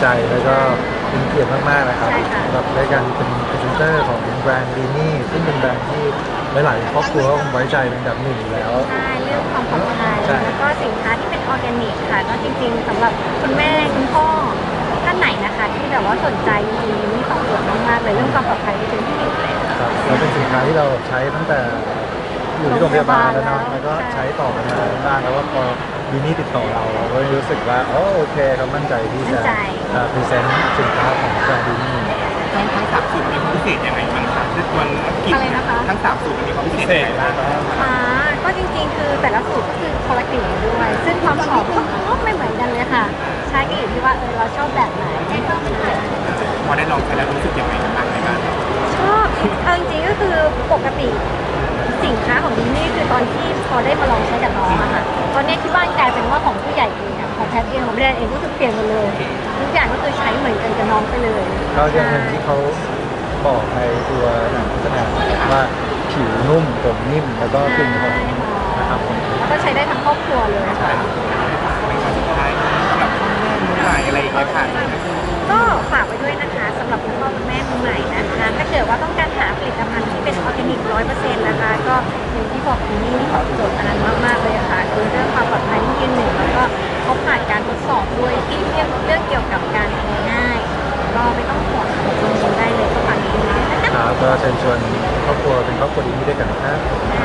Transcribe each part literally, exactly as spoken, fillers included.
ใจแล้วก็เป็นเกียรติมากๆนะครับสำหรับรายการเป็นพรีเซนเตอร์ของแบรนด์ดีนี่ซึ่งเป็นแบรนด์ที่หลายๆครอบครัวก็คงไว้ใจเป็นอันดับหนึ่งอยู่แล้วใช่เรื่องความปลอดภัยแล้วก็สินค้าที่เป็นออร์แกนิกค่ะก็จริงๆสำหรับคุณแม่คุณพ่อท่านไหนนะคะที่แบบว่าสนใจจริงๆมีตอบโจทย์มากๆเลยเรื่องความปลอดภัยที่เป็นที่หนึ่งเลยครับแล้วเป็นสินค้าที่เราใช้ตั้งแต่อยู่ที่โรงพยาบาลแล้วเนาะแล้วก็ใช้ต่อกันมาบ้างแล้วว่าพอดีนี่ติดต่อเราเราก็รู้สึกว่าอ๋อโอเคเขามั่นใจที่จะพรีเซนต์สินค้าของแบรนด์ดีนี่ทั้งทั้งสามสูตรมีความพิเศษยังไงบ้างคะด้วยตัวกลิ่นอะไรนะคะทั้งสามสูตรมีความพิเศษยังไงบ้างอ่าก็จริงๆคือแต่ละสูตรก็คือคนละกลิ่นด้วย ซึ่งความหอมก็ไม่เหมือนกันเลยค่ะใช่ก็อยู่ที่ว่าเออเราชอบแบบไหนพอได้ลองใช้แล้วรู้สึกยังไงบ้างในการชอบเอาจริงๆก็คือปกติสินค้าของดิสนี่คือตอนที่พอได้มาลองใช้กับน้องอะค่ะตอนนี้ที่บ้านกลายเป็นว่าของผู้ใหญ่เองอะของแพทย์เองของแบรนด์เองก็คือเปลี่ยนหมดเลยทุกอย่างก็คือใช้เหมือนกันกับน้องไปเลยก็อย่างหนึ่งที่เขาบอกในตัวหนังโฆษณาว่าผิวนุ่มผมนิ่มแล้วก็กลิ่นหอมนะครับผมแล้วก็ใช้ได้ทั้งครอบครัวเลยค่ะสุดท้ายสำหรับพ่อแม่มือใหม่อะไรอย่างเงี้ยค่ะก็ฝากไว้ด้วยนะคะสำหรับคุณพ่อคุณแม่มือใหม่นะคะถ้าเกิดว่าต้องการหาผลิตภัณฑ์ที่เป็นออร์แกนิกร้อยเปอร์เซ็นต์นะคะก็อย่างที่บอกที่นี่ตอบโจทย์อันนั้นมากๆเลยค่ะคือเรื่องความปลอดภัยที่ยืนหนึ่งแล้วก็เขาผ่านการทดสอบด้วยที่เรื่องเรื่องเกี่ยวกับการแพ้ง่ายก็ไม่ต้องห่วงลงทุนได้เลยก็ฝากดีด้วยนะคะครับก็เชิญชวนครอบครัวเป็นครอบครัวดีด้วยกันนะครับ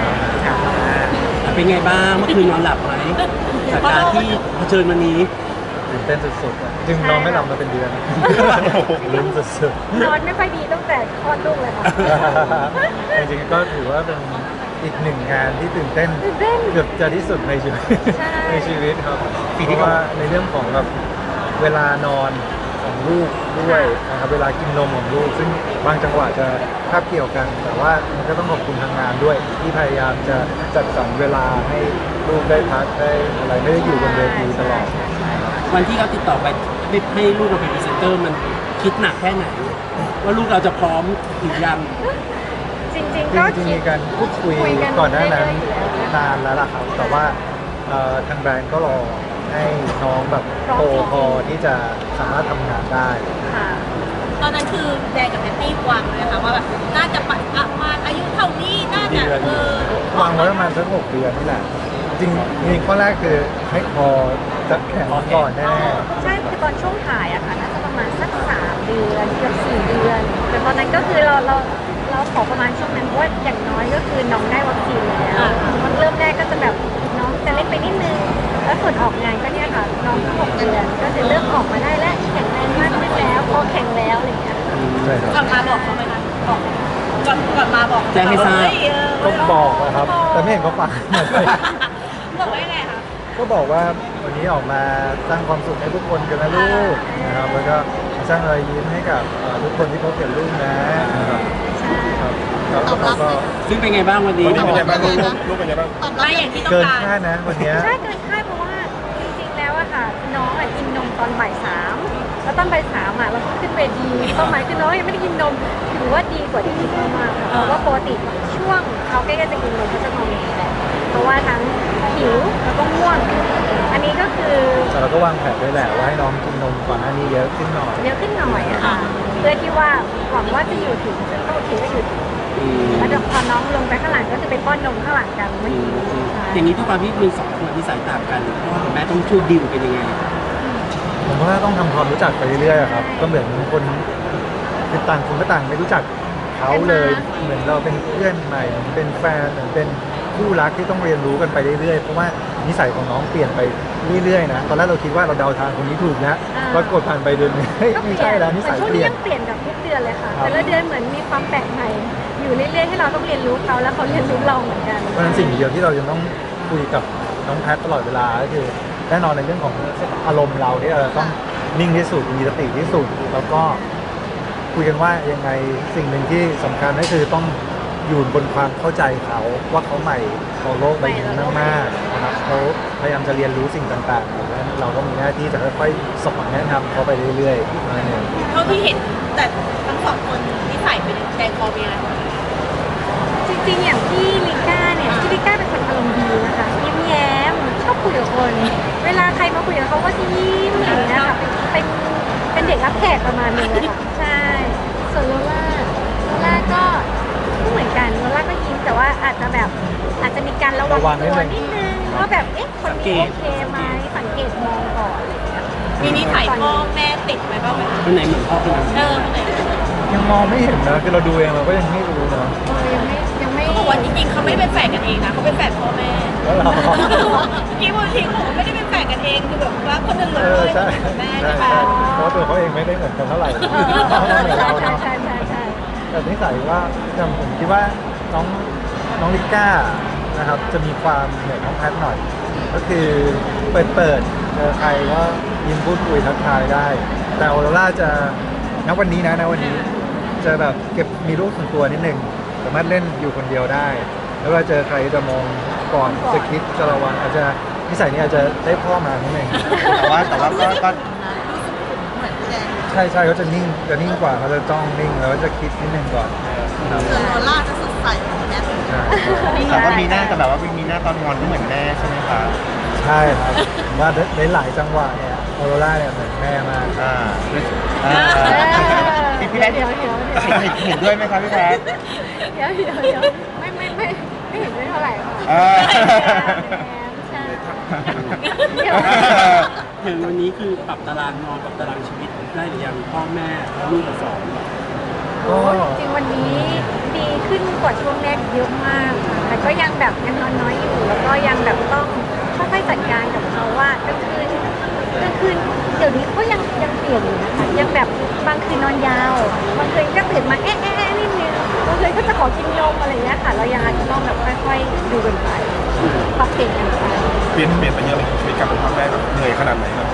เป็นไงบ้างเมื่อคืนนอนหลับไหมจากการที่เผชิญวันนี้ตื่นเต้นสุดๆอะจึงนอนไม่หลับมาเป็นเดือนลุ้นสุดนอนไม่ค่อยดีตั้งแต่คลอดลูกเลยค่ะๆจริงๆก็ถือว่าเป็นอีกหนึ่งงานที่ตื่นเต้นตื่นเต้นเกือบจะที่สุดในชีวิตใช่ในชีวิตครับเพราะว่าในเรื่องของแบบเวลานอนของลูกด้วยนะครับเวลากินนมของลูก ซึ่งบางจังหวะจะคาบเกี่ยวกัน แต่ว่ามันก็ต้องขอบคุณทางงานด้วย ที่พยายามจะจัดสรรเวลาให้ลูกได้พักได้อะไรไม่ได้อยู่บนเวทีตลอดวันที่เขาติดต่อไปให้ลูกมาเป็นพรีเซนเตอร์มันคิดหนักแค่ไหน ว่าลูกเราจะพร้อมหรือยังจริงจๆก็ริงๆคิมีดการพูดคุยคุยกันก่อนหน้านั้นเรื่อยๆอยู่แล้วนะคะนานแล้วล่ะครับ แต่ว่าเอ่อทางแบรนด์ก็รอให้น้องแบบโตพอที่จะสามารถทำงานได้ค่ะตอนนั้นคือแดงกับแพตตี้วางเลยค่ะว่าแบบน่าจะปัดประมาณอายุเท่านี้น่าจะเออวางไว้ประมาณสักหกเดือนนี่แหละ จริงๆจริงๆข้อแรกคือให้พอจะแข่งก่อนแน่ใช่คือตอนช่วงถ่ายอะค่ะน่าจะประมาณสักสามเดือนเกือบสี่เดือน แต่ตอนนั้นก็คือเราเราเราขอประมาณช่วงนั้นเพราะว่าอย่างน้อยก็คือน้องได้วัคซีนแล้วมันเริ่มแรกก็จะแบบน้องจะเล็กไปนิดนึง แล้วส่วนออกงานก็เนี่ยค่ะน้องก็หกเดือนก็จะเริ่มออกมาได้แล้วแข็งแรงมากขึ้นแล้วพอแข็งแล้วอะไรอย่างเงี้ยๆใช่ครับก่อนมาบอกเขาไหมคะบอกก่อนก่อนมาบอกแจ้งให้ทราบเฮ้ยเออก็บอกนะครับ แต่ไม่เห็นเขาฟังบอกว่ายังไงคะก็บอกว่าวันนี้ออกมาสร้างความสุขให้ทุกคนกันนะลูกนะครับ แล้วก็สร้างรอยยิ้มให้กับเอ่อทุกคนที่พบเห็นลูกนะนะครับใช่ครับแล้วเขาก็ซึ่งเป็นไงบ้างวันนี้ลูกเป็นยังไงบ้างลูกลูกเป็นยังไงบ้างไม่อย่างที่ต้องเกินการคาดนะวันเนี้ยใช่เกินคาดเพราะว่าจริงๆแล้วอะค่ะน้องอะกินนมตอนบ่ายสามแล้วตอนบ่ายสามอะเราก็ขึ้นเวทีเป้าหมายคือน้องยังไม่ได้กินนมถือว่าดีกว่าที่คิดมากๆค่ะเพราะว่าปกติช่วงเขาใกล้ๆจะกินนมเขาจะงอแงแหละเพราะว่าทั้งหิวแล้วก็ง่วง อันนี้ก็คือแต่เราก็วางแผนไว้แหละว่าให้น้องกินนมก่อนหน้านี้เยอะขึ้นหน่อยเยอะขึ้นหน่อยอะค่ะเพื่อที่ว่าหวังว่าจะอยู่ถึงซึ่งก็โอเคก็อยู่ถึงอืมแล้วเดี๋ยวพอน้องลงไปข้างหลังก็จะไปป้อนนมข้างหลังกันไม่ดีใช่อย่างนี้ทุกความที่มีสองคนที่สายต่างกันพ่อกับแม่ต้องช่วยดิวเป็นยังไงผมว่าต้องทำความรู้จักไปเรื่อยๆอะครับ ก็เหมือนคนคือต่างคนก็ต่างไม่รู้จักเขาเลย เหมือนเราเป็นเพื่อนใหม่เหมือนเป็นแฟนเหมือนเป็นคู่รักที่ต้องเรียนรู้กันไปเรื่อยๆ เพราะว่านิสัยของน้องเปลี่ยนไปเรื่อยๆนะ ตอนแรกเราคิดว่าเราเดาทางคนนี้ถูกนะปรากฏผ่านไปเดือนหนึงเฮ้ยก็เปไม่ลี่ยใช่นแล้วนิสัยช่วงเปนี้ลี่ยนยังเปลี่ยนกับทุกเดือนเลยค่ะครับแต่ละเดือนเหมือนมีความแปลกใหม่ อยู่เรื่อยๆให้เราต้องเรียนรู้เขาแล้วเขาเรียนรู้เราเหมือนกันเพราะฉะนั้นสิ่งเดียวที่เราจะต้องคุยกับน้องแพทตลอดเวลาก็คือแน่นอนในเรื่องของอารมณ์เราที่เราต้องนิ่งที่สุดมีสติที่สุด แล้วก็คุยกันว่ายังไงสิ่งหนึ่งที่สำคัญก็คือต้องอยู่บนความเข้าใจเขาว่าเขาใหม่ของโลกใบนี้มากๆนะครับเขาพยายามจะเรียนรู้สิ่งต่างๆดังนั้นเราก็มีหน้าที่จะค่อยๆสอนแนะนำเขาไปเรื่อยๆนั่นเองเท่าที่เห็นแต่ทั้งสองคนนิสัยเป็นแดงคอเป็นยังไงจริงๆอย่างที่ลิก้าเนี่ยที่ลิก้าเป็นคนอารมณ์ดีนะคะยิ้มแย้มชอบคุยกับคน เวลาใครมาคุยกับเขาก็จะยิ้มอย่างเงี้ยค่ะเป็นเป็นเด็กการระวังระวังนิตัดวนึงนิดนึงว่าแบบเอ๊ะคนนี้โอเคไหมสังเกตมองก่อนอะไรอย่างเงี้ยมีนิสัยพ่อแม่ติดไหมบ้างไหมคนไหนเหมือนพ่อคนไหนเออคนไหนยังมองไม่เห็นนะคือเราดูเองเราก็ยังไม่รู้นะเออยังไม่ยังไม่เขาบอกว่าจริงๆเขาไม่ได้เป็นแฝดกันเองนะเขาเป็นแฝดพ่อแม่แล้วเราจริงๆบางทีเขาบอกว่าไม่ได้เป็นแฝดกันเองคือแบบว่าคนอื่นเลเออย ใช่แม่ใช่ใช่ใช่ไหมเพราะตัวเขาเองไม่ได้เหมือนกันเท่าไหร่เออเขาเหมือนใช่เราใช่เนาะใช่ใช่ใช่แต่นิสัยว่าจำผมคิดว่าน้องน้องลิก้านะครับจะมีความเหมือนน้องแพทหน่อย ก็คือเปิดเปิดเจอใครก็ยิ้มพูดคุยทักทายได้ แต่ออโรร่าจะณวันนี้นะณวันนี้ จะแบบเก็บมีลูกส่วนตัวนิดนึงสามารถเล่นอยู่คนเดียวได้ แล้วเวลาเจอใครจะมองก่อนจะคิดจะระวังอาจจะนิสัยนี้อาจจะได้พ่อมานิดนึงแต่ว่าแต่ว่าก็ก็ใช่ใช่เขาจะนิ่งจะนิ่งกว่าเขาจะจ้องนิ่งแล้วจะคิดนิดนึงก่อนครับส่วนโรล่าจะสดใสแม่ใช่แต่ว่ามีหน้าแต่แบบว่ามีหน้าตอนงอนก็เหมือนแม่ใช่ไหมคะใช่ครับผมว่าในหลายจังหวะเนี่ยออโรร่าเนี่ยเหมือนแม่มากอ่าอ่าเออพี่พี่แพทย์เดี๋ยวเดี๋ยวเดี๋ยวเห็นเห็นด้วยไหมคะพี่แพทย์เดี๋ยวเดี๋ยวเดี๋ยวไม่ไม่ไม่ไม่เห็นด้วยเท่าไหร่ค่ะเออใช่เดี๋ยวอย่างวันนี้คือปรับตารางนอนปรับตารางชีวิตได้หรือยังพ่อแม่แล้วลูกกับสองก็จริงๆวันนี้ดีขึ้นกว่าช่วงแรกเยอะมากค่ะแต่ก็ยังแบบยังนอนน้อยอยู่ แล้วก็ยังแบบต้องค่อยๆจัดการกับเขาว่ากลางคืนกลางคืนเดี๋ยวนี้เขายังยังเปลี่ยนอยู่นะคะยังแบบบางคืนนอนยาวบางคืนก็ตื่นมาเอ๊ะเอ๊ะเอ๊ะนิดนึงบางคืนก็จะขอกินนมอะไรอย่างเงี้ยค่ะเรายังอาจจะต้องแบบค่อยๆดูกันไปปรับเปลี่ยนกันไปเปลี่ยนเปลี่ยนไปเยอะเลยชีวิตการเป็นพ่อแม่แบบเหนื่อยขนาดไหนครับ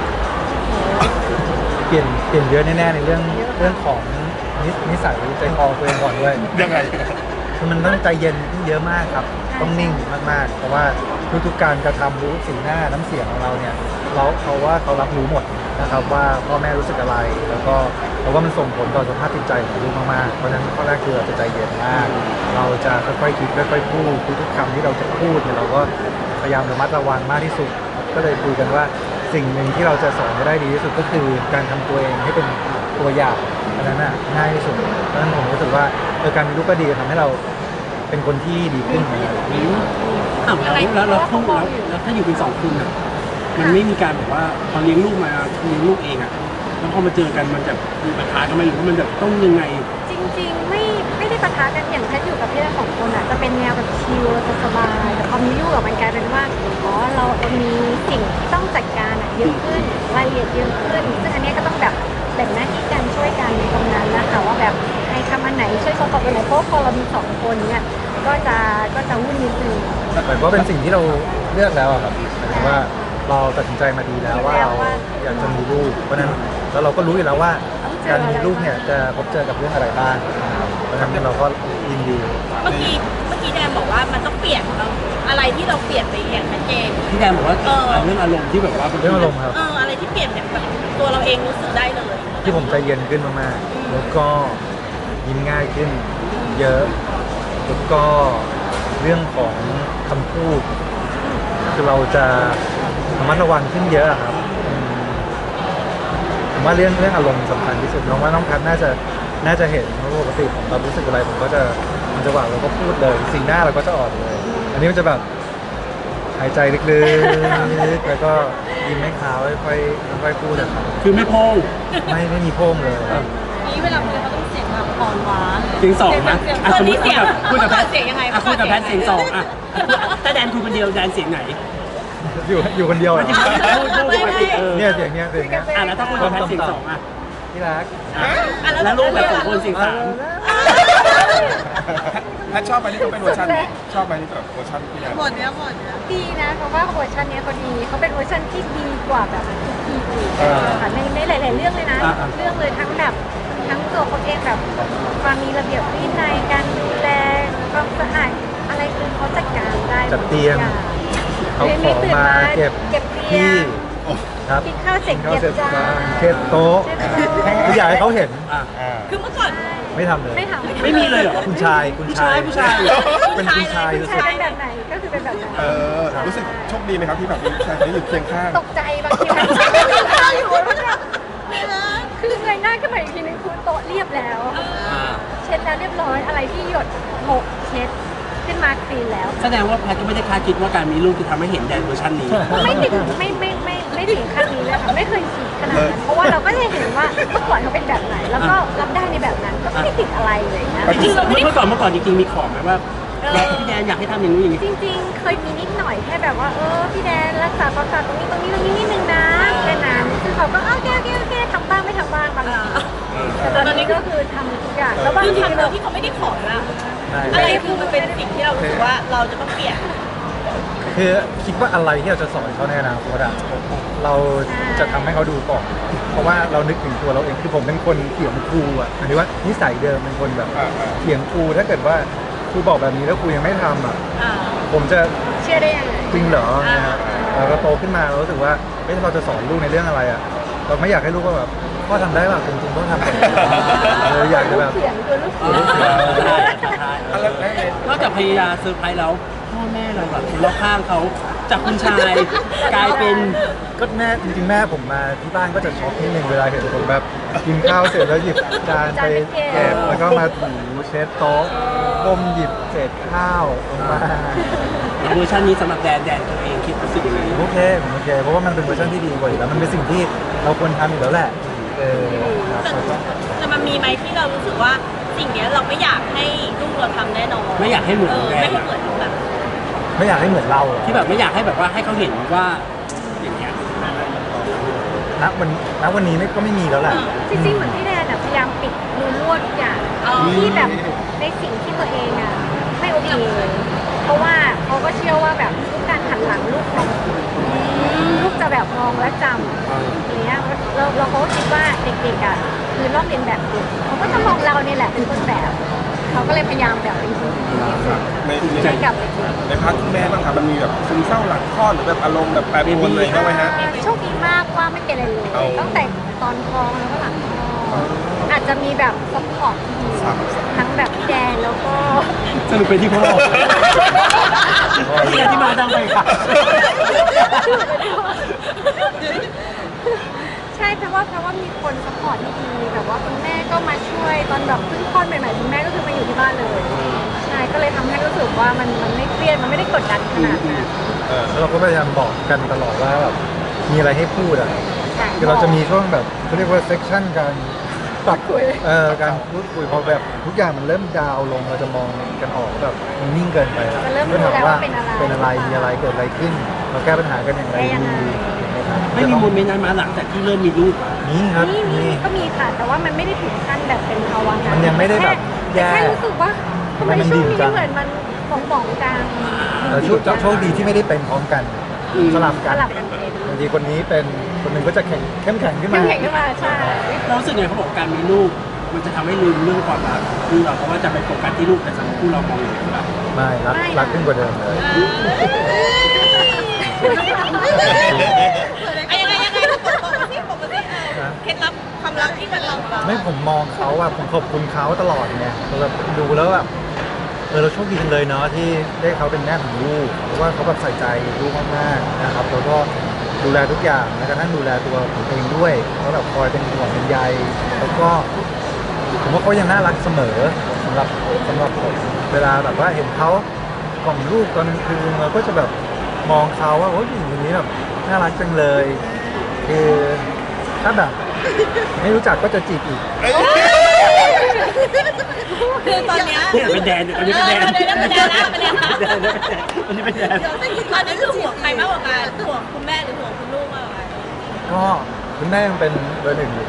เปลี่ยนเปลี่ยนเยอะแน่ๆในเรื่องเรื่องของนิสนิสัยใจคอตัวเองก่อนด้วยยังไงคือมันต้องใจเย็นขึ้นเยอะมากครับ ต้องนิ่งมากๆ เพราะว่าทุกๆการกระทำรู้สีหน้าน้ำเสียงของเราเนี่ยเราเขาว่าเขารับรู้หมดนะครับว่าพ่อแม่รู้สึกอะไร แล้วก็เพราะว่ามันส่งผลต่อสภาพจิตใจของลูกมากๆเพราะฉะนั้นข้อแรกคือเราจะใจเย็นมาก เราจะค่อยๆคิดค่อยๆพูดทุกๆคำที่เราจะพูดเนี่ยเราก็พยายามระมัดระวังมากที่สุด ก็เลยคุยกันว่าสิ่งหนึ่งที่เราจะสอนได้ดีที่สุดก็คือการทำตัวเองให้เป็นตัวอย่างอันนั้นน่ะง่ายที่สุดเพราะฉะนั้นผมรู้สึกว่าเออการมีลูกก็ดีทำให้เราเป็นคนที่ดีขึ้นเหมือนกันอ้าวแล้วแล้วแล้วคู่แล้วแล้วถ้าอยู่เป็นสองคนอ่ะมันไม่มีการแบบว่าพอเลี้ยงลูกมาเลี้ยงลูกเองอ่ะแล้วพอมาเจอกันมันจะมีปัญหากันไหมหรือว่ามันแบบต้องยังไงจริงๆไม่ไม่ได้ปะทะกันอย่างแพทย์อยู่กับพี่ทั้งสองคนอ่ะจะเป็นแนวแบบชิลสบายๆแต่พอมีลูกอะมันกลายเป็นว่าอ๋อเรามีสิ่งที่ต้องจัดการอะเยอะขึ้นรายละเอียดเยอะขึ้นซึ่งอันเนี้ยก็ต้องแบบแบ่งหน้าที่กันช่วยกันในตรงนั้นนะคะว่าแบบใครทำอันไหนช่วยเขาตอบอันไหนเพราะพอเรามีสองคนเนี่ยก็จะก็จะวุ่นนิดนึงแต่ว่าเป็นสิ่งที่เราเลือกแล้วอะครับหมายถึงว่าเราตัดสินใจมาดีแล้วว่าเราอยากจะมีลูก เพราะฉะนั้นแล้วเราก็รู้อยู่แล้วว่าการมีลูกเนี่ยจะพบเจอกับเรื่องอะไรบ้างนะครับเพราะฉะนั้นเราก็ยินดีเมื่อกี้เมื่อกี้แดนบอกว่ามันต้องเปลี่ยนอะไรที่เราเปลี่ยนไปอย่างชัดเจนพี่แดนบอกว่าเออเรื่องอารมณ์ที่แบบว่าเรื่องอารมณ์ครับเอออะไรที่เปลี่ยนแบบตัวเราเองรู้สึกได้เลยที่ผมใจเย็นขึ้นมากๆ แล้วก็ยิ้มง่ายขึ้นเยอะ แล้วก็เรื่องของคำพูด คือเราจะระมัดระวังขึ้นเยอะอะครับอืมผมว่าเรื่องเรื่องอารมณ์สำคัญที่สุดน้องว่าน้องแพทน่าจะน่าจะเห็นเพราะปกติผมเรารู้สึกอะไรผมก็จะมันจะหวานเราก็พูดเลยสีหน้าเราก็จะอ่อนเลย อันนี้มันจะแบบหายใจลึกๆแล้วก็ยิ้มให้เขาค่อยๆค่อยๆพูดอะครับคือไม่โพงไม่ไม่มีโพ้งเลยครับนี่เวลาคุยเขาต้องเสียงแบบอ่อนหวานเสียงสองนะอ่ะสมมติคุยกับคุยกับแพทเสียงยังไงอ่ะคุยกับแพทเสียงสองอ่ะถ้าแดนคุยคนเดียวแดนเสียงไหนอยู่อยู่คนเดียวไม่อะใช่พูดพูดปกติเออเนี่ยเสียงเนี้ยเสียงเนี้ยอ่ะแล้วถ้าคุยกับแพทเสียงสองอ่ะที่รักอ่ะแล้วลูกแบบสองคนเสียงสามถ้าชอบไปนี่ก็เป็นเวอร์ชันนี้ชอบไปนี่แบบเวอร์ชันพี่แดนหมดเนี้ยหมดเนี้ยดีนะเพราะว่าเวอร์ชันเนี้ยเขาดีเขาเป็นเวอร์ชันที่ดีกว่าแบบทุกทีอื่นค่ะในในหลาย ๆ เรื่องเลยนะ เรื่องเลยทั้งแบบทั้งตัวเขาเองแบบความมีระเบียบวินัยการดูแลความสะอาดอะไรคือเขาจัดการได้จัดเตียง เขาขอมาเก็บเก็บเตียที่งครับกินข้าวเสร็จข้าวเก็บเสร็จจานเก็บโต๊ะเก็บโต๊ะคืออยากให้เขาเห็นอ่ะอ่าคือเมื่อก่อนไม่ทำเลยไม่ทำไม่มีเลยเหรอคุณชายคุณชายผู้ชายผู้ชายเป็นคุณชายคุณรู้สึชาก ยเป็นแบบไหนก็คือเป็นแบบนั้นเออรู้สึกโชคดีไหมครับที่แบบมีผู้ชายคนนี้อยู่เคียงข้างตกใจบางทีมันไม่ได้อยู่แล้วเนี่ยคือเงยหน้าขึ้นมาอีกทีนึงคือโต๊ะเรียบแล้วอ่าเช็ดแล้วเรียบร้อยอะไรที่หยดหกเช็ด เขึ้นมาคลีนแล้วแสดงว่าแพทก็ไม่ได้คาดคิดว่าการมีลูกจะทำให้เห็นแดนเวอร์ชันนี้ไม่ถึงไม่ไม่ไม่ไม่ถึงขั้นนี้เลยค่ะไม่เคยคิดขนาดนั้นเพราะว่าเราก็จะเห็นว่าเมื่อก่อนเขาเป็นแบบไหน แล้วก็รับได้ในแบบนั้นก็ไม่ได้ติดอะไรเลยนะจริงๆเมื่อก่อนเมื่อก่อนจริงๆมีของไหมว่าแดนพี่แดนอยากให้ทำอย่างนู้นอย่างนี้จริงๆ เคยมีนิดหน่อยแค่แบบว่าเออพี่แดนรักษาความสะอาดตรงนี้ตรงนี้ตรงนี้นิดนึงนะแค่นั้นคือเขาก็โอเคโอเคโอเคทำบ้างไม่ทำบ้างบางทีแต่ตอนนี้ก็คือทำทุกอย่างแล้วบางคือทีทำโดเรายที่เขาไม่ได้ขอละใช่อะไรคือมันเป็นสิ่งที่เรารู้สึกว่าเราจะต้องเปลี่ยนคือคิดว่าอะไรที่เราจะสอนเขาในอนาคตอะเราจะทำให้เขาดูก่อน เพราะว่าเรานึกถึงตัวเราเองคือผมเป็นคนเถียงครูอะหมายถึงว่านิสัยเดิมเป็นคนแบบเถียงครูถ้าเกิดว่าครูบอกแบบนี้แล้วครูยังไม่ทำอะอ่าผมจะเชื่อได้ยังไงจริงเหรอนะครับเราก็โตขึ้นมาเรารู้สึกว่าเฮ้ยเราจะสอนลูกในเรื่องอะไรอะเราไม่อยากให้ลูกก็แบบพ่อทำได้ป่ะจริงๆต้องทำแบบนี้เราอยากจะแบบเสียงตัวลูกเอเสียอง ใช่ใช่นอกจากพยายามเซอร์ไพรส์แล้วพ่อแม่เราแบบคนรอบข้างเขาจากคุณชายกลายเป็นก็แม่จริงๆแม่ผมมาที่บ้านก็จะช็อกนิดนึงเวลาเห็นผมแบบกินข้าวเสร็จแล้วหยิบจานไปเก็บแล้วก็มาถูเช็ดโต๊ะก้มหยิบเศษข้าวลงมาเวอร์ชันนี้สำหรับแดนแดนตัวเองคิดรู้สึกยังไงโอเคผมโอเคเพราะว่ามันเป็นเวอร์ชันที่ดีกว่าอยู่แล้วมันเป็นสิ่งที่เราควรทำอยู่แล้วแหละเออครับแล้วก็แต่มันมีไหมที่เรารู้สึกว่าสิ่งเนี้ยเราไม่อยากให้ลูกเราทำแน่นอนไม่อยากให้เหมือนเออแดไม่นให้เหมือนแบบไม่อยากให้เหมือนเราอะที่แบบไม่อยากให้แบบว่าให้เขาเห็นว่าอย่างเงี้ยณวันณวันนี้ไม่ก็ไม่มีแล้วแหละจริงๆ เหมือนพี่แดนอะพยายามปิดรูรั่วทุกอย่างที่แบบในสิ่งที่ตัวเองอะไม่โอเคเพราะว่าเขาก็เชื่อว่าแบบทุกการหันหลังลูกของลูกจะแบบมองและจำอย่างเงี้ยเราเราเขาก็คิดว่าเด็กๆอะคือลอกเรียนแบบเด็กเขาก็จะมองเราเนี่ยแหละเป็นต้นแบบเขาก็เลยพยายามแบบเป็นคนดีที่สุดในให้กับเด็กในพาร์ทคุณแม่บ้างครับมันมีแบบซึมเศร้าหลังคลอดหรือแบบอารมณ์แบบแปรปรวนเลยบ้างไหมฮะโชคดีมากว่าไม่เป็นอะไรเลยเอาตั้งแต่ตอนท้องแล้วก็หลังท้องอาจจะมีแบบซัพพอร์ตที่ดีทั้งแบบพี่แดนแล้วก็สรุปเป็นที่พ่อที่มาดังไปค่ะใช่เพราะว่าเพราะว่ามีคนซัพพอร์ตที่ดีแบบว่าคุณแม่ก็มาช่วยตอนแบบเพิ่งคลอดใหม่ๆคุณแม่ก็คือมาอยู่ที่บ้านเลยใช่ก็เลยทำให้รู้สึกว่ามันมันไม่เครียดมันไม่ได้กดดันขนาดนั้นเออแล้วเราก็พยายามบอกกันตลอดว่าแบบมีอะไรให้พูดอ่ะใช่คือเราจะมีช่วงแบบเขาเรียกว่าเซสชั่นการปรับคุยเอ่อการพูดคุยพอแบบทุกอย่างมันเริ่มดาวน์ลงเราจะมองกันออกว่าแบบมันนิ่งเกินไปจะเริ่มก็รู้ถามแล้วว่าว่าเป็นอะไรเป็นอะไรมีอะไรเกิดอะไรขึ้น เราแก้ปัญหากันอย่างไรได้ยังไงดีนะครับไม่มีโมเมนต์นั้นมาหลังจากที่เริ่มมีลูกอะนี่ครับนี่มีนี่ก็มีค่ะ แต่ว่ามันไม่ได้ถึงขั้นแบบเป็นภาวะนั้นมันยังไม่ได้แบบแย่แค่รู้สึกว่าทำไมมันช่ดีวงนี้จังเหมือนมันหมองๆจังเราโชคโชคดีที่ไม่ได้เป็นพร้อมกันสลับสกันลับกันเป็นบางทีคนนี้เป็นคนหนึ่งก็จะแข็งเข้มแข็งขึ้นเข้มามแข็งขึ้นมาใช่เรารู้สึกไงเขาบอกการมีลูก มันจะทำให้ลืมเรื่องความรักคือเราเพราะว่าจะไปโฟกัสที่ลูกแต่สำหรับคู่เรามองอย่างไรบ้างไม่รักรักขึ้นกว่าเดิมเลยไอ้ยังไงยังไงบอกมาสิบอกมาสิเออเคล็ดลับความรักที่มันเราเราไม่ผมมองเขาอะผมขอบคุณเขาตลอดไงเราแบบดูแล้วแบบเออเราโชคดีจังเลยเนาะที่ได้เขาเป็นแม่ของลูกเพราะว่าเขาแบบใส่ใจลูกมากๆนะครับแล้วก็ดูแลทุกอย่างแม้กระทั่งดูแลตัวผมเองด้วยเขาแบบคอยเป็นห่วงเป็นใยแล้วก็ผมว่าเขายังน่ารักเสมอสำหรับสำหรับผมเวลาแบบว่าเห็นเขากล่อมลูกตอนกลางคืนเราก็จะแบบมองเขาว่าโอ้ยผู้หญิงคนนี้แบบน่ารักจังเลยคือถ้าแบบไม่รู้จักก็จะจีบอีกคือตอนเนี้ยเนี่ยเป็นแดนอันนี้เป็นแดนเออเป็นแดนเป็นแดนแล้วเป็นแดนแล้วแดนอันนี้เป็นแดนตอนนั้นคือห่วงใครมากกว่ากันห่วงคุณแม่หรือห่วงคุณลูกมากกว่ากันก็คุณแม่ยังเป็นเบอร์หนึ่งอยู่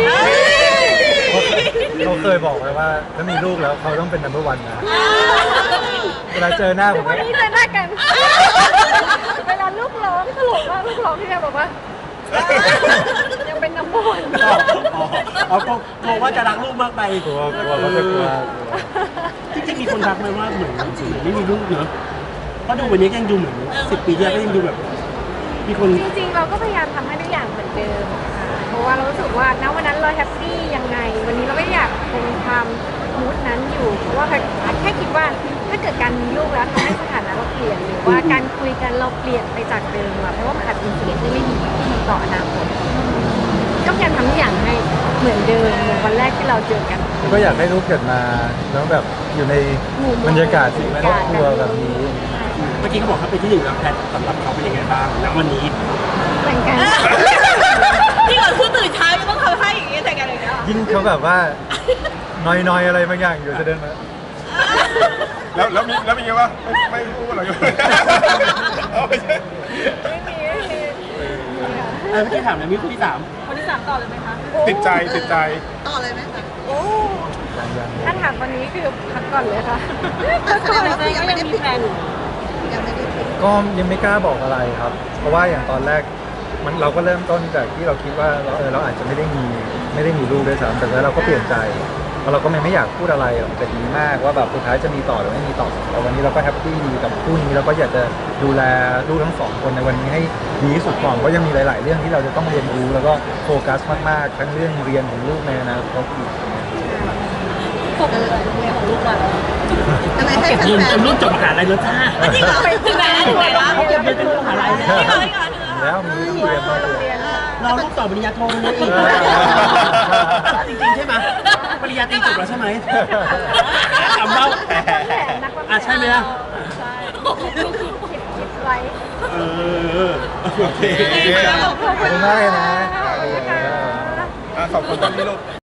เขาเคยบอกไว้ว่าถ้ามีลูกแล้วเขาต้องเป็น นัมเบอร์วันนะเวลาเจอหน้าผมวันนี้เจอหน้ากัน เวลาลูกร้องตลกมากลูกร้องที่แม่บอกว่า ยังเป็นน้ำมันอ๋ออ๋อกลัวว่าจะรักลูกมากไปกลัวกลัวเขาจะกลัวจริงๆมีคนทักไหมว่าเหมือนไม่มีลูกเนอะเพราะดูวันนี้ยังดูเหมือนสิบปีที่แล้วก็ยังดูแบบ มีคนจริงๆ เราก็พยายามทำให้ทุกอย่างเหมือนเดิมค่ะเพราะว่าเรารู้สึกว่าณวันนั้นเราแฮปปี้ยังไง วันนี้เราไม่อยากคงความมูดนั้นอยู่ เพราะว่าแค่คิดว่าถ้าเกิดการมีลูกแล้วทำให้สถานะเราเปลี่ยนหรือว่าการคุยกันเราเปลี่ยนไปจากเดิมอะเพราะว่ามันอาจจะเป็นสิ่งที่ไม่ดีต่ออนาคตก็พยายามทำทุกอย่างให้เหมือนเดิมเหมือนวันแรกที่เราเจอกันก็อยากให้ลูกเกิดมาแล้วแบบอยู่ในบรรยากาศที่ครอบครัวแบบนี้เมื่อกี้เขาบอกเขาเป็นที่หนึ่งแล้วแพทสำหรับเขาเป็นยังไงบ้างณวันนี้เหมือนกันที่ก่อนคือตื่นเช้ายังต้องทำให้อย่างเงี้ยแต่กันเลยนะยิ่งเขาแบบว่า นอยๆอะไรบางอย่างอยู่จะเดินมาแล้วแล้วมีแล้วมีไงวะไม่ไม่พูดหรอกเอาไม่ใช่ไม่มีไม่มีเออเมื่อกี้ถามแล้วมีคนที่สามคนที่สามต่อเลยไหมคะติดใจติดใจต่อเลยไหมคะโอ้ยังถ้าถามวันนี้คือพักก่อนเลยค่ะแสดงว่ายังไม่ได้มีแฟนๆก็ยังไม่กล้าบอกอะไรครับ เพราะว่าอย่างตอนแรกมันเราก็เริ่มต้นจากที่เราคิดว่าเราเออเราอาจจะไม่ได้มีไม่ได้มีลูกด้วยซ้ำแต่แล้วเราก็เปลี่ยนใจเพราะเราก็ไม่ไม่อยากพูดอะไรออกมาดีมากว่าแบบสุดท้ายจะมีต่อหรือไม่มีต่อแต่วันนี้เราก็แฮปปี้ดีกับคู่นี้แล้วก็อยากจะดูแลลูกทั้งสองคนในวันนี้ให้ดีที่สุดก่อนเพราะยังมีหลาย ๆ เรื่องที่เราจะต้องเรียนรู้แล้วก็โฟกัสมากๆทั้งเรื่องเรียนของลูกในอนาคตอีกปกติเรียนของลูกอ่ะเขาเก็บเงินจนลูกจบมหาลัยแล้วจ้าจริงเหรอถึงไหนแล้วถึงไหนแล้วเขาเก็บเงินจนลูกมหาลัยแล้วจริงเหรอจริงเหรอถึงแล้วแล้วมีต้องเรียนต้องเรียนเราลูกต่อปริญญาโทมาเลยอีกจริงๆใช่ไหมปริญญาตรีจบแล้วใช่ไหมถามเรานักวางแผนอ่ะใช่ไหมล่ะใช่คิดคิดคิดไว้เออโอเคขอบคุณมากเลยนะอ่ะขอบคุณตอนนี้ลูก